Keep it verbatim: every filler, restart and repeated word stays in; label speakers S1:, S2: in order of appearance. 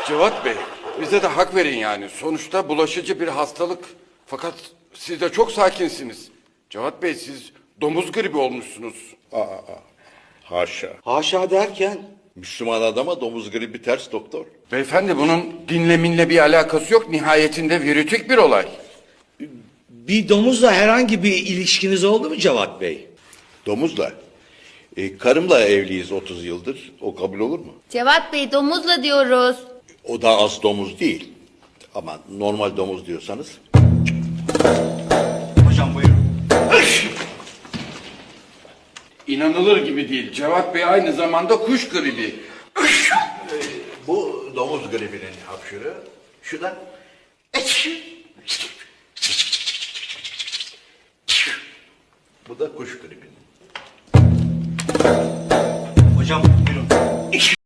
S1: Cevat Bey, bize de hak verin yani. Sonuçta bulaşıcı bir hastalık. Fakat siz de çok sakinsiniz. Cevat Bey, siz domuz gribi olmuşsunuz.
S2: Haşa.
S3: Haşa derken?
S2: Müslüman adama domuz gribi ters doktor.
S1: Beyefendi, bunun dinle minle bir alakası yok. Nihayetinde virütik bir olay.
S3: Bir domuzla herhangi bir ilişkiniz oldu mu Cevat Bey?
S2: Domuzla. E, karımla evliyiz otuz yıldır. O kabul olur mu?
S4: Cevat Bey, domuzla diyoruz.
S2: O da az domuz değil. Ama normal domuz diyorsanız.
S3: Hocam buyurun.
S1: İnanılır gibi değil. Cevat Bey aynı zamanda kuş gribi.
S2: Bu domuz gribinin hapşırı. Şuradan. Bu da kuş gribinin.
S3: Hocam buyurun.